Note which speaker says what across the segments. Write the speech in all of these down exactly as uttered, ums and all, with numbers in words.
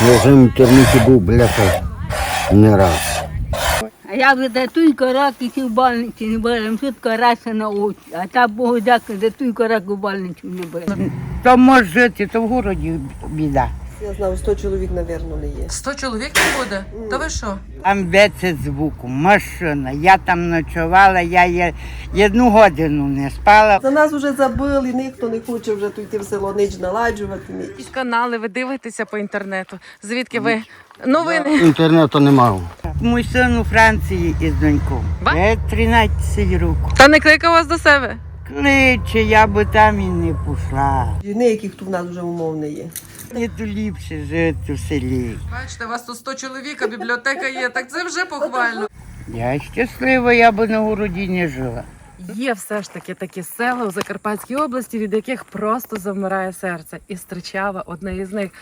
Speaker 1: Я вже в інтернеті був, бляха, не раз.
Speaker 2: А я вже за той раки в больниці не беремо, тут карася на очі. А та Богу дякую, за той раку в больницю не беремо.
Speaker 3: То може жити, то в городі біда.
Speaker 4: Я знаю, сто чоловік, мабуть, не є.
Speaker 5: Сто чоловік не буде? То ви що?
Speaker 3: Там веце звуку, машина. Я там ночувала, я є одну годину не спала.
Speaker 4: За нас вже забили, ніхто не хоче вже тут йти в село, ніч наладжувати. ніч.
Speaker 5: Якісь канали, ви дивитеся по інтернету. Звідки ви? Новини.
Speaker 1: Інтернету не мав.
Speaker 3: Мій син у Франції із доньком.
Speaker 5: Ба?
Speaker 3: Вже тринадцять років.
Speaker 5: Та не кликав вас до себе?
Speaker 3: Кличе, я би там і не пішла.
Speaker 4: Ніяких тут в нас вже умов не є.
Speaker 3: Не то ліпше жити в селі.
Speaker 5: Бачите, у вас тут сто чоловік, а бібліотека є, так це вже похвально.
Speaker 3: Я щаслива, я би на городі не жила.
Speaker 5: Є все ж таки такі села у Закарпатській області, від яких просто завмирає серце. І Стричава одне із них.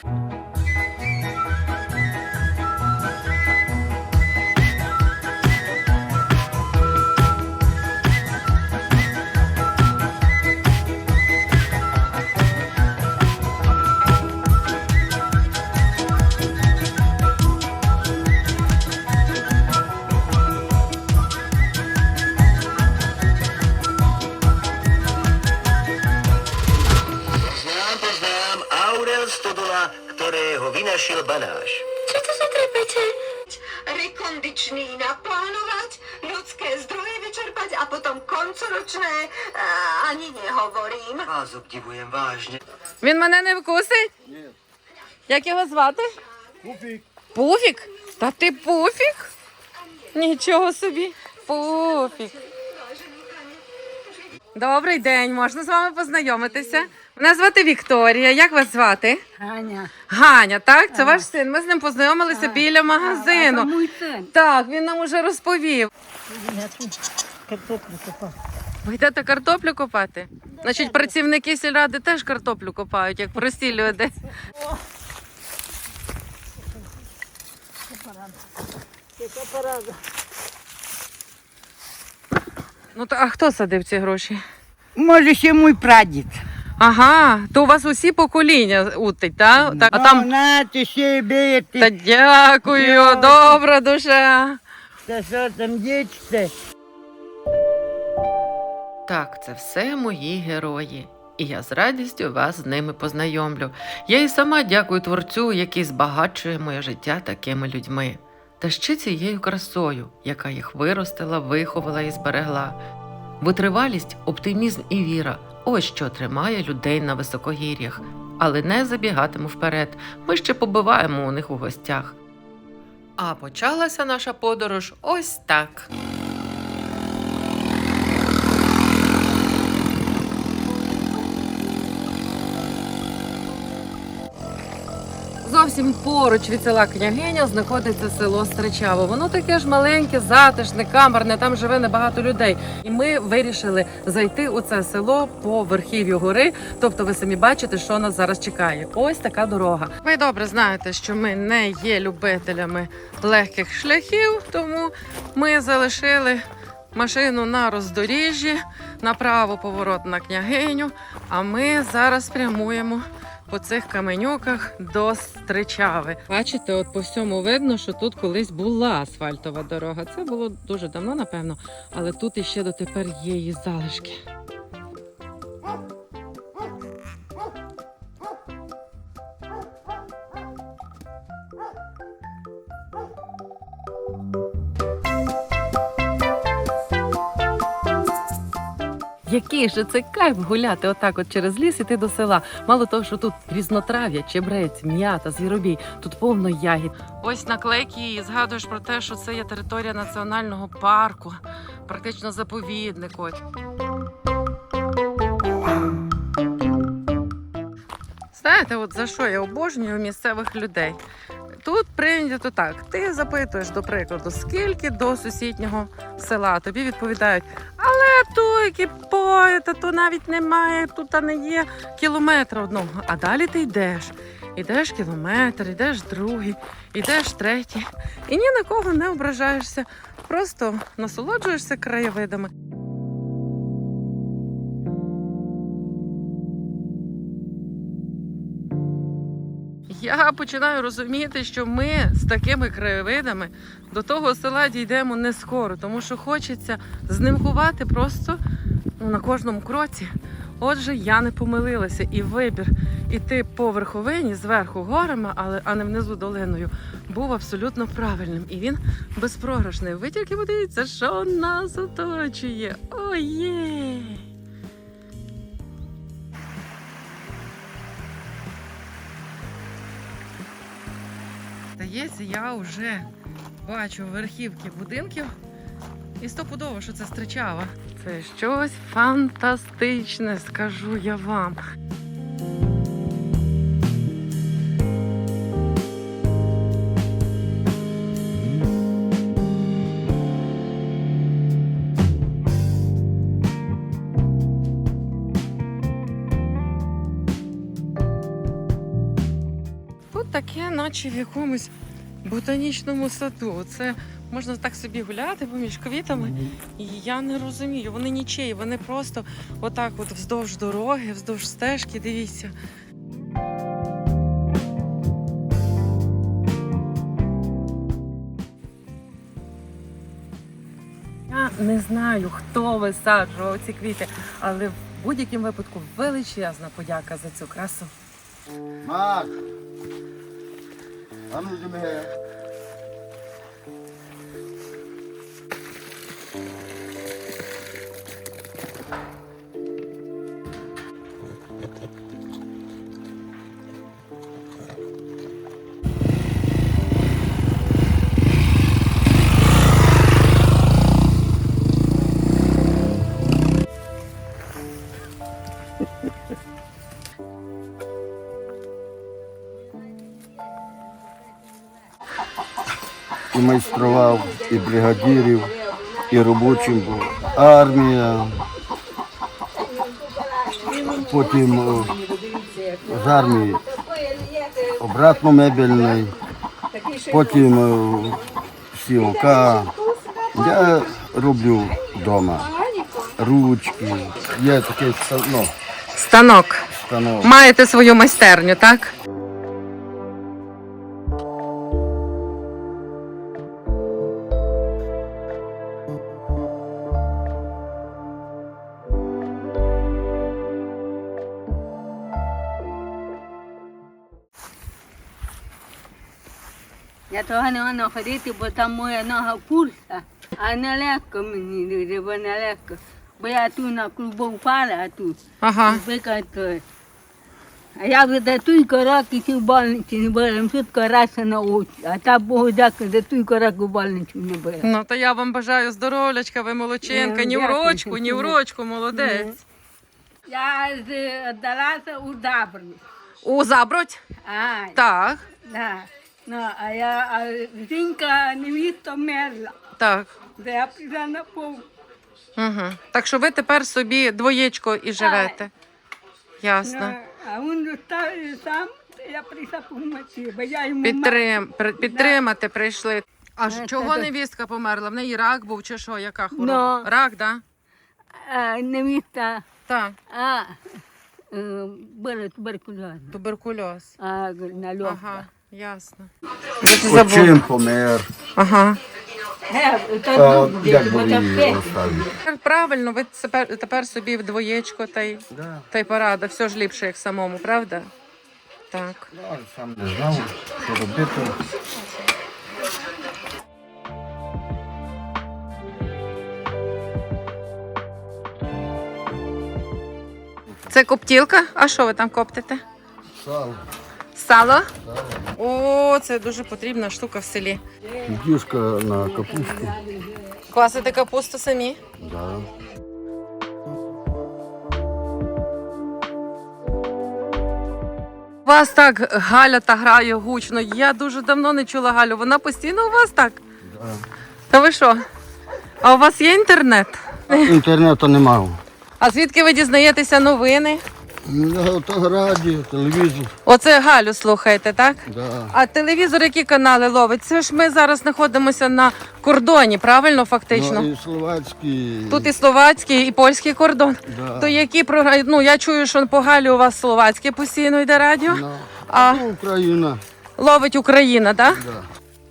Speaker 6: Znam, poznám Aurel Stodola, ktorého vynašiel banáš.
Speaker 7: Co to za trepete? Rekondičný naplánovat, ľudské zdroje vyčerpať a potom koncoročné uh, ani nehovorím.
Speaker 6: Vás obdivujem vážne.
Speaker 5: Він мене не вкусить? Ні. Як його звати? Пуфік. Пуфік? Та ти Пуфік? Нічого собі. Пуфік. Добрий день, можна з вами познайомитися? Мене звати Вікторія. Як вас звати?
Speaker 2: Ганя,
Speaker 5: Ганя, так? Це ваш син. Ми з ним познайомилися біля
Speaker 2: а це
Speaker 5: магазину.
Speaker 2: мій син.
Speaker 5: Так, він нам уже розповів.
Speaker 2: Я тут картоплю копав.
Speaker 5: Ви йдете картоплю копати? Значить, працівники сільради теж картоплю копають, як прості люди.
Speaker 2: Яка порада.
Speaker 5: Ну, то, а хто садив ці гроші?
Speaker 3: Може, ще мій прадід.
Speaker 5: Ага, то у вас усі покоління утить, так? Так, а там...
Speaker 3: На, ти ще бити.
Speaker 5: Та дякую, добра душа.
Speaker 3: Та що там дічте?
Speaker 5: Так, це все мої герої. І я з радістю вас з ними познайомлю. Я і сама дякую творцю, який збагачує моє життя такими людьми. Та ще цією красою, яка їх виростила, виховала і зберегла. Витривалість, оптимізм і віра – ось що тримає людей на високогір'ях. Але не забігатиму вперед, ми ще побиваємо у них у гостях. А почалася наша подорож ось так. Зовсім поруч від села Княгиня знаходиться село Стричаво. Воно таке ж маленьке, затишне, камерне, там живе небагато людей. І ми вирішили зайти у це село по верхів'ю гори. Тобто ви самі бачите, що нас зараз чекає. Ось така дорога. Ви добре знаєте, що ми не є любителями легких шляхів, тому ми залишили машину на роздоріжжі, направо поворот на Княгиню, а ми зараз прямуємо по цих каменюках до Стричави. Бачите, от по всьому видно, що тут колись була асфальтова дорога. Це було дуже давно, напевно, але тут іще дотепер є її залишки. Який же це кайф гуляти отак от через ліс, іти до села. Мало того, що тут різнотрав'я, чебрець, м'ята, звіробій, тут повно ягід. Ось наклейки і згадуєш про те, що це є територія національного парку, практично заповідник. Ось. Знаєте, от за що я обожнюю місцевих людей? Тут прийнято так, ти запитуєш, до прикладу, скільки до сусіднього села, тобі відповідають, але то які пої, та то навіть немає, тут не є кілометра одного. А далі ти йдеш, йдеш кілометр, йдеш другий, йдеш третій, і ні на кого не ображаєшся, просто насолоджуєшся краєвидами. я починаю розуміти, що ми з такими краєвидами до того села дійдемо не скоро, тому що хочеться знімкувати просто ну, на кожному кроці. Отже, я не помилилася, і вибір іти по верховині зверху горами, але а не внизу долиною, був абсолютно правильним. І він безпрограшний. Ви тільки подивіться, що нас оточує. Ой-є! Здається, я вже бачу верхівки будинків. І стопудово, що це Стричава. Це щось фантастичне, скажу я вам. Тут таке, наче в якомусь ботанічному саду. Це можна так собі гуляти поміж квітами. І я не розумію, вони нічиї, вони просто отак от вздовж дороги, вздовж стежки, дивіться. Я не знаю, хто висаджував ці квіти, але в будь-якому випадку величезна подяка за цю красу.
Speaker 1: Мак! А ну тебе. І майстрував, і бригадирів, і робочим був. Армія. Потім о, з армії обратно мебельний, потім о, сілка. Я роблю вдома ручки, є такий ну,
Speaker 5: Станок.
Speaker 1: станок.
Speaker 5: Маєте свою майстерню, так?
Speaker 2: Я того не можу ходити, бо там моя нога пульса. А нелегко мені, дуже, бо нелегко. Бо я тут на клубу впала, а тут.
Speaker 5: Ага.
Speaker 2: Викатую. А я вже туйко роки в больниці не була, швидко раз на очі. А та Богу дякую, за туйко роки в больниці не була.
Speaker 5: Ну, то я вам бажаю здоров'ячка, ви молодчинка,
Speaker 2: Е,
Speaker 5: ні в
Speaker 2: дякую.
Speaker 5: рочку, ні в рочку, молодець.
Speaker 2: Я здалася у Забру.
Speaker 5: У Забродь?
Speaker 2: А,
Speaker 5: Так,
Speaker 2: да. Ну, а я, а жінка невіста мерла.
Speaker 5: так.
Speaker 2: Де я прийшла на пол.
Speaker 5: Угу. Так що ви тепер собі двоєчко і живете. Ясно.
Speaker 2: Ну, а він zostaje сам, я прийшла помогти, бо я йому
Speaker 5: Підтрим, при- підтримати прийшли. А ж
Speaker 2: Е,
Speaker 5: чого
Speaker 2: та-
Speaker 5: невістка померла? В неї рак був чи що? Яка хвороба?
Speaker 2: Ну.
Speaker 5: Рак, да?
Speaker 2: а, невіста,
Speaker 5: Так,
Speaker 2: а, е, була туберкульоз,
Speaker 5: туберкульоз.
Speaker 2: а, на льох.
Speaker 5: Ага, ясно.
Speaker 1: Очим помер.
Speaker 5: Ага.
Speaker 2: Е,
Speaker 1: А,
Speaker 2: то добре,
Speaker 1: як
Speaker 2: бо
Speaker 1: би
Speaker 2: то
Speaker 1: її
Speaker 2: п'ять.
Speaker 1: розставити?
Speaker 5: Правильно, ви тепер, тепер собі вдвоєчко та й,
Speaker 1: Да.
Speaker 5: та й порада. Все ж ліпше, як самому, правда? Так.
Speaker 1: Ну, сам не знав, що робити.
Speaker 5: Це коптілка? А що ви там коптите?
Speaker 1: Сало.
Speaker 5: Сало? О, це дуже потрібна штука в селі.
Speaker 1: Дюшка на капусту.
Speaker 5: Квасите капусту самі?
Speaker 1: Да.
Speaker 5: У вас так Галя та грає гучно. Я дуже давно не чула Галю. Вона постійно у вас так?
Speaker 1: Да.
Speaker 5: Та ви що? А у вас є інтернет?
Speaker 1: Інтернету немає.
Speaker 5: А звідки ви дізнаєтеся новини?
Speaker 1: Ну, то радіо, телевізор.
Speaker 5: Оце Галю слухаєте, так?
Speaker 1: Да.
Speaker 5: А телевізор, які канали ловить? Це ж ми зараз знаходимося на кордоні, правильно, фактично?
Speaker 1: Ну, і словацький.
Speaker 5: Тут і словацький, і польський кордон.
Speaker 1: Да.
Speaker 5: То які програми? Ну, я чую, що по Галі у вас словацьке постійно йде радіо.
Speaker 1: Ну,
Speaker 5: А
Speaker 1: Україна.
Speaker 5: ловить Україна, так?
Speaker 1: Да.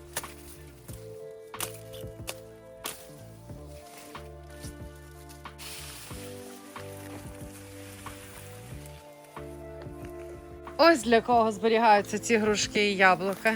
Speaker 5: Ось для кого зберігаються ці грушки і яблука.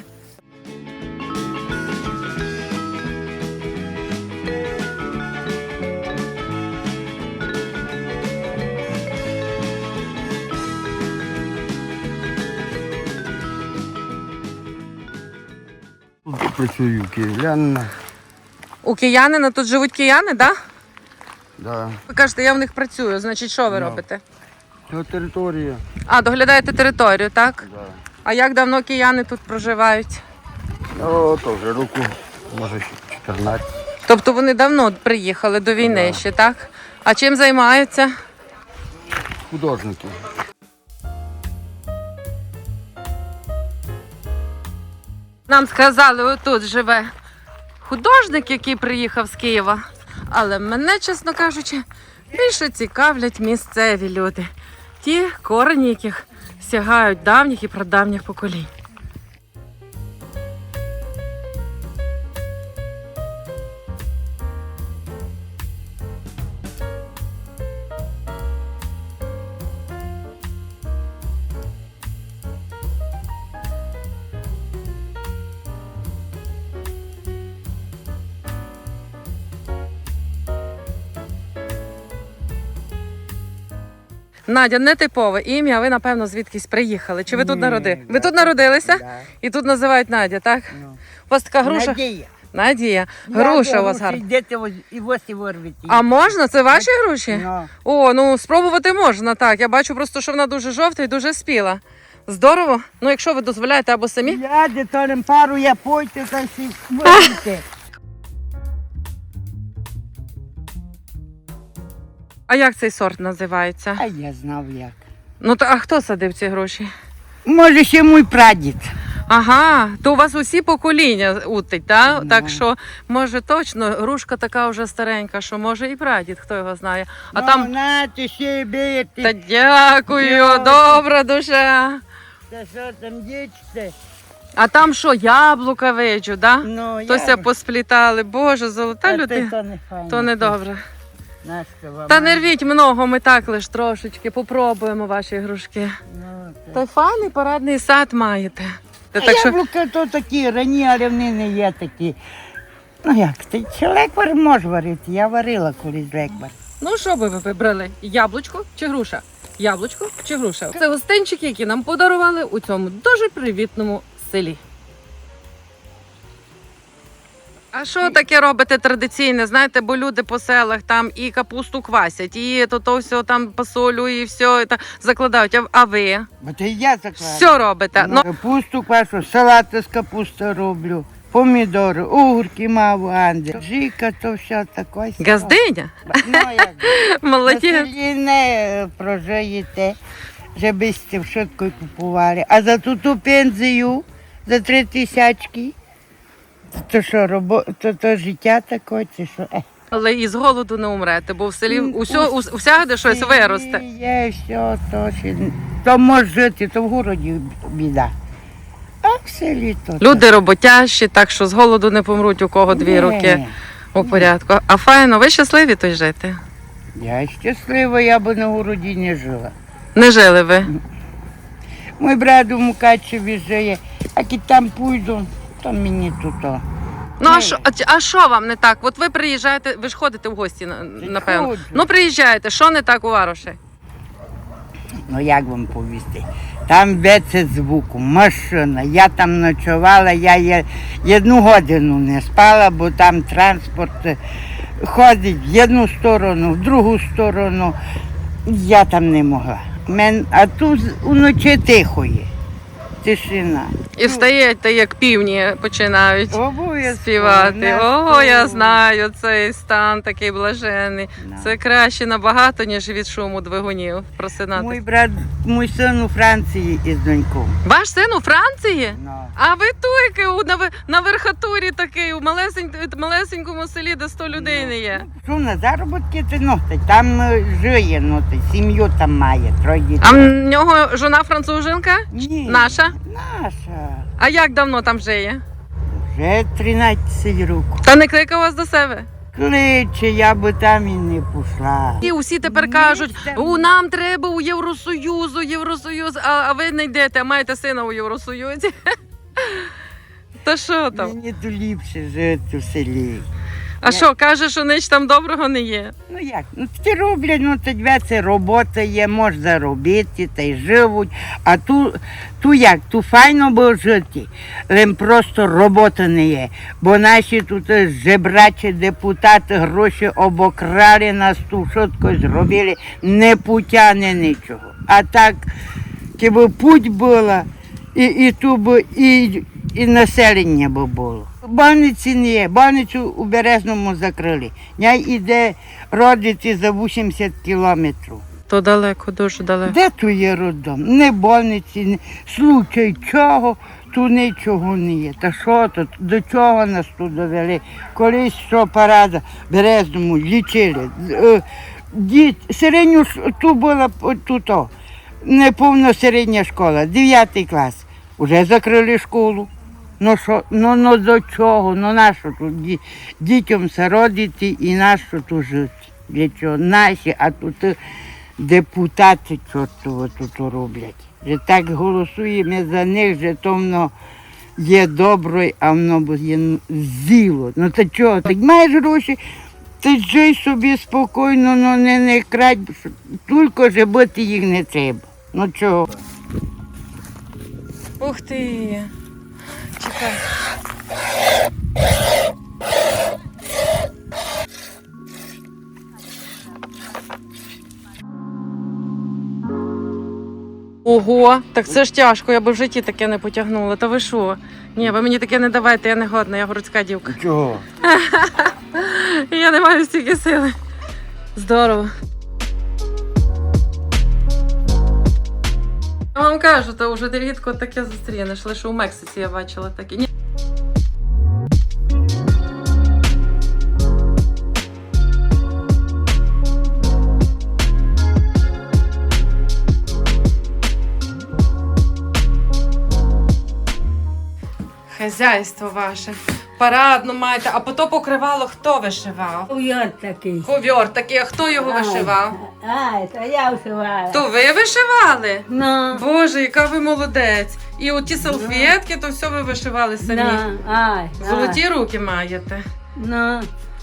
Speaker 1: Тут працюю київлянина.
Speaker 5: У киянина тут живуть кияни, так?
Speaker 1: Да.
Speaker 5: Ви кажете, я в них працюю, значить, що ви
Speaker 1: Ну.
Speaker 5: робите?
Speaker 1: Це територія.
Speaker 5: А, доглядаєте територію, так?
Speaker 1: Да.
Speaker 5: А як давно кияни тут проживають?
Speaker 1: О, то вже року, може ще чотирнадцять.
Speaker 5: Тобто вони давно приїхали до війни
Speaker 1: Да.
Speaker 5: ще, так? А чим займаються?
Speaker 1: Художники.
Speaker 5: Нам сказали, отут живе художник, який приїхав з Києва. Але мене, чесно кажучи, більше цікавлять місцеві люди. Ті корені, яких сягають давніх і прадавніх поколінь. Надя, нетипове ім'я, ви, напевно, звідкись приїхали. Чи ви тут
Speaker 3: Ні,
Speaker 5: народилися? Ви
Speaker 3: да.
Speaker 5: тут народилися?
Speaker 3: Да.
Speaker 5: І тут називають Надя, так?
Speaker 3: Ну.
Speaker 5: У вас така груша?
Speaker 3: Надія.
Speaker 5: Надія. Груша у вас гарна.
Speaker 3: Йдете ось- і ось і вирвете.
Speaker 5: А можна? Це ваші груші?
Speaker 3: Ну.
Speaker 5: О, ну спробувати можна, так. Я бачу просто, що вона дуже жовта і дуже спіла. Здорово. Ну, якщо ви дозволяєте або самі.
Speaker 3: Я деторим пару, я пойте та всі вирвете.
Speaker 5: А як цей сорт називається?
Speaker 3: А я знав як.
Speaker 5: Ну, то, а хто садив ці груші?
Speaker 3: Може, ще мій прадід.
Speaker 5: Ага, то у вас усі покоління утить, так?
Speaker 3: Ну.
Speaker 5: Так що, може, точно, грушка така вже старенька, що може і прадід, хто його знає. А
Speaker 3: Ну,
Speaker 5: там.
Speaker 3: нате, ще бити.
Speaker 5: Та дякую,
Speaker 3: Дякую.
Speaker 5: добра душа.
Speaker 3: Та що там дічте?
Speaker 5: А там що, яблука виджу, да?
Speaker 3: Ну,
Speaker 5: Тося
Speaker 3: я...
Speaker 5: посплітали. Боже, золота
Speaker 3: Та
Speaker 5: людина.
Speaker 3: То не файно.
Speaker 5: То не добре.
Speaker 3: Нащо вам?
Speaker 5: Та не рвіть много, ми так лиш трошечки попробуємо ваші грушки.
Speaker 3: Ну, та...
Speaker 5: Та й файний парадний сад маєте. Та
Speaker 3: А
Speaker 5: так що...
Speaker 3: яблука то такі, рані, але вони не є такі. Ну як, ти чи леквар може варити? Я варила колись леквар.
Speaker 5: Ну що би ви вибрали? Яблучко чи груша? Яблучко чи груша? Це гостинчики, які нам подарували у цьому дуже привітному селі. А що таке робите традиційне? Знаєте, бо люди по селах там і капусту квасять, і то, то все там посолю, і все і та закладають. А, а ви
Speaker 3: Бо це я закладу.
Speaker 5: все робите? Ну,
Speaker 3: Капусту квашу, салати з капусти роблю, помідори, огурки мав анди. Жика, то все таке.
Speaker 5: газдиня?
Speaker 3: Ну як? На
Speaker 5: Молодець.
Speaker 3: селі не прожиєте, щоб сте швидко купували. А за ту ту пензію, за три тисячки, то що, робо... то, то життя таке, чи що? Е.
Speaker 5: Але і з голоду не умрете, бо в селі
Speaker 3: М,
Speaker 5: усьо,
Speaker 3: у
Speaker 5: ус- усяде щось
Speaker 3: селі
Speaker 5: виросте.
Speaker 3: Є все, то ще... То може жити, то в городі біда. А в селі то...
Speaker 5: Люди роботящі, так що з голоду не помруть, у кого дві
Speaker 3: Ні.
Speaker 5: руки у порядку. А файно, ви щасливі тут жити?
Speaker 3: Я щаслива, я б на городі не жила.
Speaker 5: Не жили ви?
Speaker 3: Мій брат у Мукачеві живе, а як там пойду, то мені тут. о.
Speaker 5: Ну а
Speaker 3: Ні.
Speaker 5: що, а, чи- а що вам не так? От ви приїжджаєте, ви ж ходите в гості, на- напевно.
Speaker 3: ходжу.
Speaker 5: Ну приїжджаєте, що не так у Вароші?
Speaker 3: Ну як вам повісти? Там беце звуку, машина. Я там ночувала, я є одну годину не спала, бо там транспорт е, ходить в одну сторону, в другу сторону. Я там не могла. Мен, а тут уночі тихо є. Тишина.
Speaker 5: І встаєте, як півні починають
Speaker 3: Обов'язково.
Speaker 5: співати.
Speaker 3: Не
Speaker 5: О, я
Speaker 3: співаю.
Speaker 5: знаю цей стан такий блажений.
Speaker 3: Да.
Speaker 5: Це краще набагато, ніж від шуму двигунів
Speaker 3: Мій
Speaker 5: просинатися.
Speaker 3: брат, мій син у Франції із донькою.
Speaker 5: Ваш син у Франції?
Speaker 3: Ну.
Speaker 5: А ви туйки у на, ви- на верхатурі такий, у малесень- малесенькому селі, де сто людей не є.
Speaker 3: Що на заробітки ти ну, та там е, жиє, ну, та сім'ю там має, троє дітей.
Speaker 5: А в нього жона француженка?
Speaker 3: Ні.
Speaker 5: Наша?
Speaker 3: Наша.
Speaker 5: А як давно там жиє?
Speaker 3: Вже тринадцять років.
Speaker 5: Та не кликав вас до себе?
Speaker 3: Кличе, я би там і не пішла.
Speaker 5: І усі тепер кажуть, у нам треба у Євросоюзу, Євросоюз, а, а ви не йдете, а маєте сина у Євросоюзі. Та що там?
Speaker 3: Мені то ліпше жити в селі.
Speaker 5: А що, каже, що ніч там доброго не є?
Speaker 3: Ну як? Ну такі роблять, ну тоді це робота є, можна заробити, та й живуть. А ту, ту як, ту файно було жити, але просто робота не є. Бо наші тут жебрачі депутати гроші обокрали, нас тут швидко зробили, не путя, не нічого. А так, якби путь була, і, і ту би, і, і населення би було. Больниці не є, больницю у Березному закрили. Я йде родити за вісімдесят кілометрів.
Speaker 5: То далеко, дуже далеко.
Speaker 3: Де тут є роддом? Не больниці, не случай чого, тут нічого не є. Та що тут, до чого нас тут довели? Колись що парада в Березному лічили. Діт, середню, тут була тут, о, неповна середня школа, дев'ятий клас. Уже закрили школу. Ну що, ну, ну до чого? Ну нащо тут ді- дітям сородити і нащо тут жити? Для чого? Наші, а тут депутати чортово тут роблять. Вже так голосуємо за них, що то воно є добре, а воно є зіло. Ну то чого? Так маєш гроші, ти жий собі спокійно, ну не, не крадь, тільки ж бити їх не треба. Ну чого?
Speaker 5: Ух ти! Чекай. Ого, так це ж тяжко, я би в житті таке не потягнула. Та ви що? Ні, ви мені таке не давайте, я не годна, я городська дівка.
Speaker 1: Чого?
Speaker 5: Я не маю стільки сили. Здорово. Я вам кажу, то вже рідко таке зустрінеш, лише у Мексиці я бачила таке. Ні. Хазяйство ваше. Парадну маєте, а потім покривало хто вишивав?
Speaker 2: Ков'яр такий.
Speaker 5: Ковьор такий, а хто його вишивав?
Speaker 2: Ай, то я вшивала.
Speaker 5: То ви вишивали?
Speaker 2: Ну,
Speaker 5: Боже, яка ви молодець. І оті салфетки, то все ви вишивали самі.
Speaker 2: на, ай,
Speaker 5: Золоті руки маєте.
Speaker 2: Ну,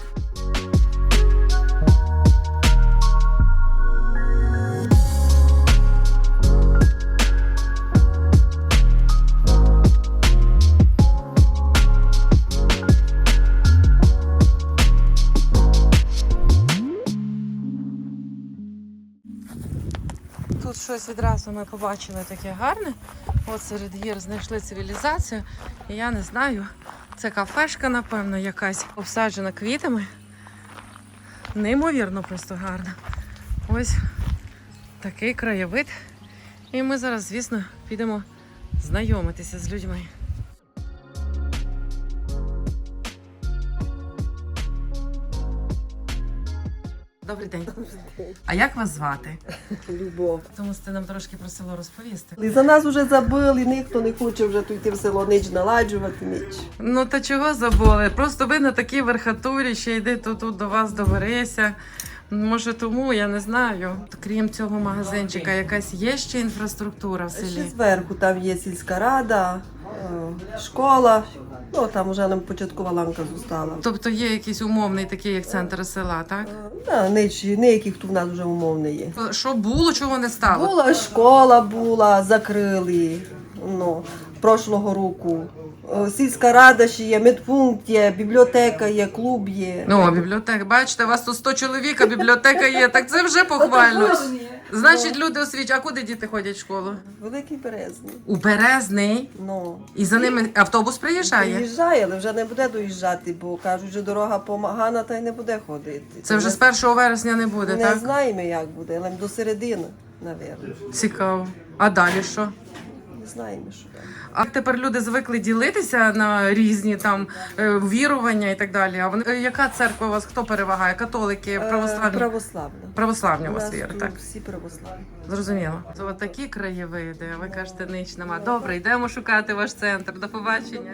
Speaker 5: Тут щось відразу ми побачили таке гарне. От серед гір знайшли цивілізацію. І я не знаю, це кафешка, напевно, якась обсаджена квітами. Неймовірно просто гарно. Ось такий краєвид. І ми зараз, звісно, підемо знайомитися з людьми. Добрий день. А як вас звати?
Speaker 4: Любов.
Speaker 5: Тому що ти нам трошки про село розповісти.
Speaker 4: І за нас вже забили, ніхто не хоче вже тут йти в село, ніч наладжувати, ніч.
Speaker 5: Ну та чого забули? Просто ви на такій верхатурі, ще йди тут, тут до вас добереся. Може тому, я не знаю. Крім цього магазинчика, якась є ще інфраструктура в
Speaker 4: Ще
Speaker 5: селі?
Speaker 4: зверху там є сільська рада, е, школа, ну там вже нам початкова ланка зустала.
Speaker 5: Тобто є якийсь умовний такий, як центр села, так?
Speaker 4: Да, ніч, ніяких тут в нас вже умов не є.
Speaker 5: Що було, чого не стало?
Speaker 4: Була школа, була, закрили, ну, прошлого року. Е, Сільська рада ще є, медпункт є, бібліотека є, клуб є.
Speaker 5: Ну, а бібліотека, бачите, у вас тут сто чоловік, а бібліотека є, так це вже похвально. Значить, люди освічують. А куди діти ходять в школу?
Speaker 4: Великий Березний.
Speaker 5: У Березний.
Speaker 4: Ну,
Speaker 5: І за ними автобус приїжджає.
Speaker 4: приїжджає, але вже не буде доїжджати, бо кажуть, що дорога помагана, та й не буде ходити.
Speaker 5: Це вже з першого вересня не буде,
Speaker 4: Не
Speaker 5: так?
Speaker 4: знаємо, як буде, але до середини, напевно.
Speaker 5: Цікаво. А далі що?
Speaker 4: знаємо, що там.
Speaker 5: А тепер люди звикли ділитися на різні там е, вірування і так далі. А вони, е, яка церква у вас, хто перевагає? Католики,
Speaker 4: Е,
Speaker 5: православні?
Speaker 4: Православна.
Speaker 5: Православні у
Speaker 4: У
Speaker 5: вас
Speaker 4: нас
Speaker 5: віри,
Speaker 4: тут
Speaker 5: так?
Speaker 4: всі православні.
Speaker 5: Зрозуміло. Це от такі краєвиди, а ви кажете, ніч нема. Добре, йдемо шукати ваш центр. До побачення.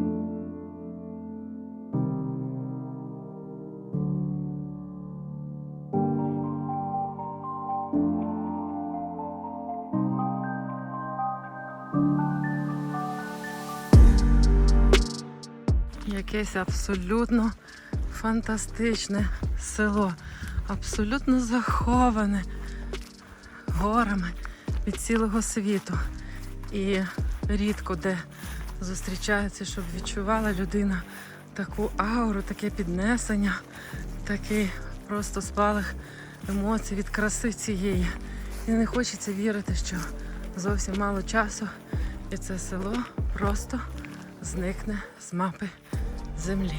Speaker 5: Якесь абсолютно фантастичне село, абсолютно заховане горами від цілого світу. І рідко де зустрічається, щоб відчувала людина таку ауру, таке піднесення, такий просто спалах емоцій від краси цієї. І не хочеться вірити, що зовсім мало часу, і це село просто зникне з мапи землі.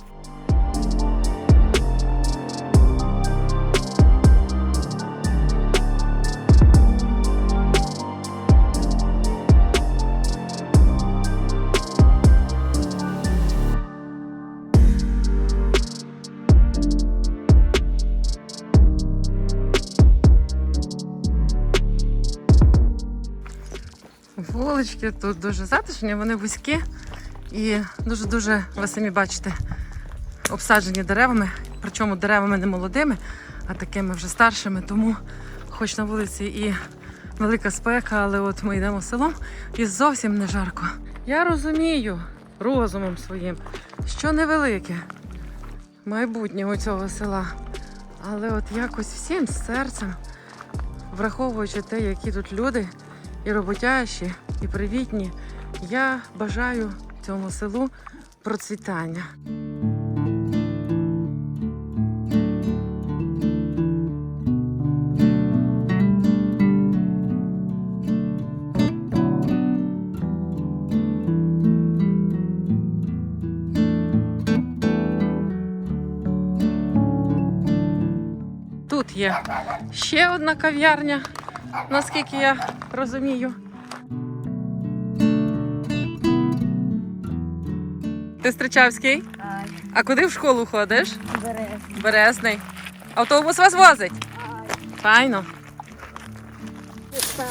Speaker 5: Вулички тут дуже затишні, вони вузькі і дуже-дуже, ви самі бачите, обсаджені деревами, причому деревами не молодими, а такими вже старшими, тому хоч на вулиці і велика спека, але от ми йдемо селом і зовсім не жарко. Я розумію розумом своїм, що невелике майбутнє у цього села, але от якось всім серцем, враховуючи те, які тут люди, і роботящі, і привітні, я бажаю цьому селу процвітання. Тут є ще одна кав'ярня, наскільки я розумію. Ти Стричавський?
Speaker 8: Ай,
Speaker 5: А куди в школу ходиш?
Speaker 8: березні.
Speaker 5: Березний. Автобус вас возить? Файно.
Speaker 8: Там.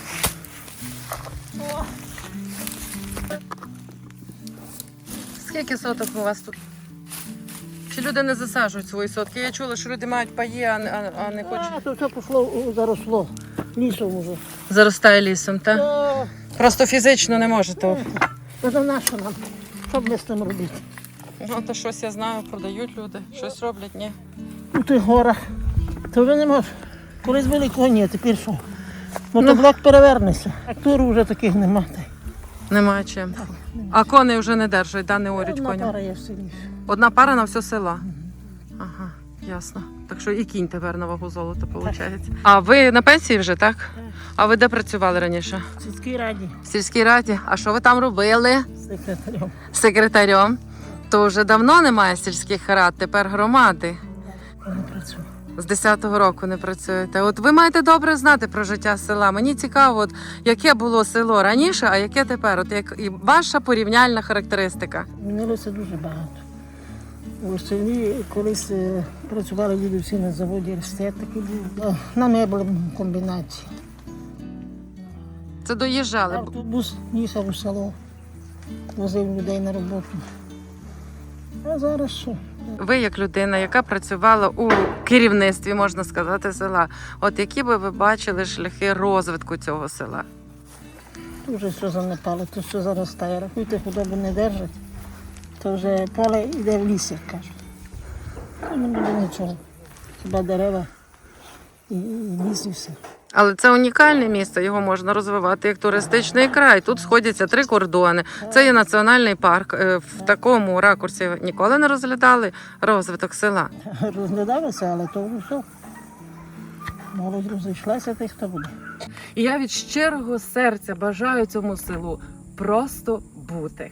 Speaker 5: Скільки соток у вас тут? Чи люди не засаджують свої сотки? Я чула, що люди мають паї, а не, а, а не хочуть.
Speaker 8: А, то все пішло, о, заросло. Лісом уже.
Speaker 5: Заростає лісом, так?
Speaker 8: То,
Speaker 5: Просто фізично не можете.
Speaker 8: то за нащо нам? Що б ми з тим робити?
Speaker 5: Ну, то щось я знаю, продають люди, щось роблять, ні.
Speaker 8: У тих горах. Ти вже не можеш. Колись були коні, а тепер що? Мотоблок перевернеться. Трактору вже таких нема.
Speaker 5: Немає чим. А коней вже не держать, да, не орють
Speaker 8: Одна
Speaker 5: коням.
Speaker 8: пара є сильніша.
Speaker 5: Одна пара на все село. Ага, ясно. Так що і кінь тепер на вагу золота, виходить. А ви на пенсії вже, так? А ви де працювали раніше?
Speaker 8: В сільській раді
Speaker 5: В сільській раді. А що ви там робили?
Speaker 8: секретарем.
Speaker 5: Секретарем. То вже давно немає сільських рад, тепер громади.
Speaker 8: Я не працюю.
Speaker 5: З десятого року не працюєте. От ви маєте добре знати про життя села. Мені цікаво, от, яке було село раніше, а яке тепер. От як і ваша порівняльна характеристика.
Speaker 8: Змінилося дуже багато. У селі колись е, працювали люди всі на заводі, рестет такий був. Е, На меблевому комбінаті.
Speaker 5: Це доїжджали.
Speaker 8: Автобус їхав у село, возив людей на роботу. А зараз що?
Speaker 5: Ви, як людина, яка працювала у керівництві, можна сказати, села, от які би ви бачили шляхи розвитку цього села?
Speaker 8: Тут вже все занепало, тут все заростає. Рахуйте, худобу не держать, то вже поле йде в ліс, як кажуть. То не буде нічого. Хіба дерева і, і ліс і все.
Speaker 5: Але це унікальне місце, його можна розвивати як туристичний край. Тут сходяться три кордони. Це є національний парк. Е, В такому ракурсі ніколи не розглядали розвиток села.
Speaker 8: Розглядалося, але то вже все. Молодь розійшлася, та й хто буде.
Speaker 5: І я від щирого серця бажаю цьому селу просто бути.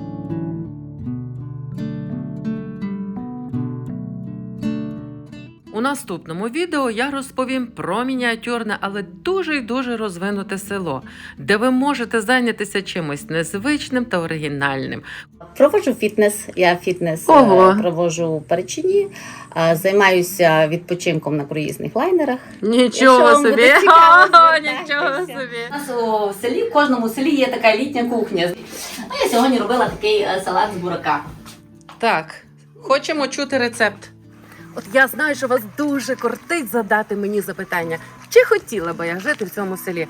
Speaker 5: У У наступному відео я розповім про мініатюрне, але дуже й дуже розвинуте село, де ви можете зайнятися чимось незвичним та оригінальним.
Speaker 9: Проводжу фітнес. Я фітнес
Speaker 5: Ого.
Speaker 9: е, проводжу у Перечині. Е, Займаюся відпочинком на круїзних лайнерах.
Speaker 5: Нічого
Speaker 9: Якщо вам
Speaker 5: собі!
Speaker 9: буде цікаво,
Speaker 5: Ха-ха,
Speaker 9: звертайтеся.
Speaker 5: нічого собі!
Speaker 9: У нас у селі, в кожному селі є така літня кухня. А я сьогодні робила такий е, салат з бурака.
Speaker 5: Так, хочемо чути рецепт. От я знаю, що вас дуже кортить задати мені запитання, чи хотіла би я жити в цьому селі?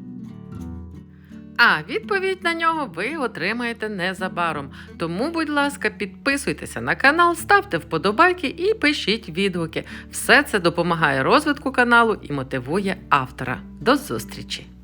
Speaker 5: А відповідь на нього ви отримаєте незабаром. Тому, будь ласка, підписуйтеся на канал, ставте вподобайки і пишіть відгуки. Все це допомагає розвитку каналу і мотивує автора. До зустрічі!